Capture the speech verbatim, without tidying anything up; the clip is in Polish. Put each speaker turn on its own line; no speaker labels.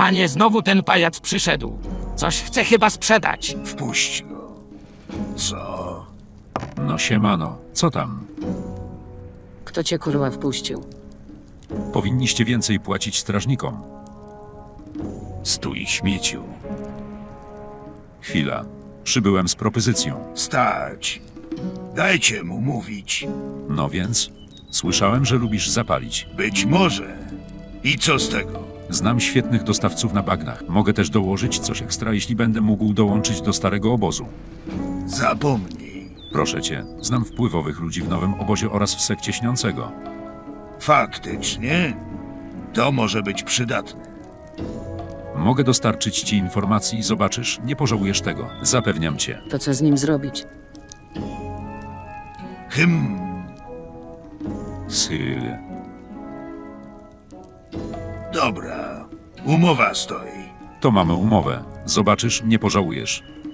Panie, znowu ten pajac przyszedł. Coś chce chyba sprzedać.
Wpuść go. Co?
No siemano, co tam?
Kto cię kurwa wpuścił?
Powinniście więcej płacić strażnikom.
Stój, śmieciu.
Chwila. Przybyłem z propozycją.
Stać. Dajcie mu mówić.
No więc? Słyszałem, że lubisz zapalić.
Być może. I co z tego?
Znam świetnych dostawców na bagnach. Mogę też dołożyć coś ekstra, jeśli będę mógł dołączyć do starego obozu.
Zapomnij.
Proszę cię, znam wpływowych ludzi w nowym obozie oraz w sekcie śniącego.
Faktycznie? To może być przydatne.
Mogę dostarczyć ci informacji i zobaczysz, nie pożałujesz tego. Zapewniam cię.
To co z nim zrobić?
Hym.
Syl.
Dobra. Umowa stoi.
To mamy umowę. Zobaczysz, nie pożałujesz.